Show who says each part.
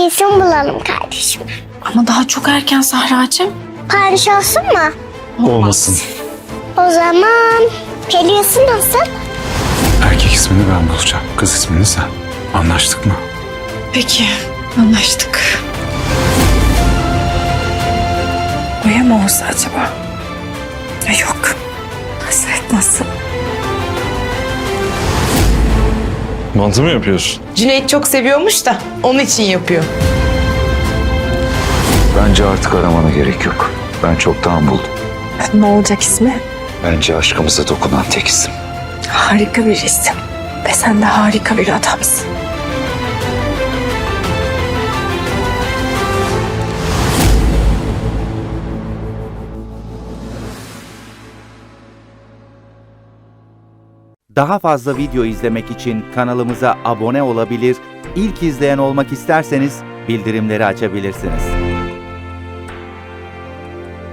Speaker 1: bir isim bulalım kardeşim.
Speaker 2: Ama daha çok erken Sahra'cığım.
Speaker 1: Paris olsun mu?
Speaker 3: Olmasın.
Speaker 1: O zaman Pelin nasıl?
Speaker 3: Erkek ismini ben bulacağım. Kız ismini sen. Anlaştık mı?
Speaker 2: Peki, anlaştık. Oya mı olsa acaba? Ya yok. Hasret nasıl?
Speaker 4: Mantı mı yapıyorsun?
Speaker 5: Cüneyt çok seviyormuş da onun için yapıyor.
Speaker 6: Bence artık aramana gerek yok. Ben çoktan buldum.
Speaker 2: Ne olacak ismi?
Speaker 6: Bence aşkımıza dokunan tek isim.
Speaker 2: Harika bir isim. Ve sen de harika bir adamsın.
Speaker 7: Daha fazla video izlemek için kanalımıza abone olabilir, ilk izleyen olmak isterseniz bildirimleri açabilirsiniz.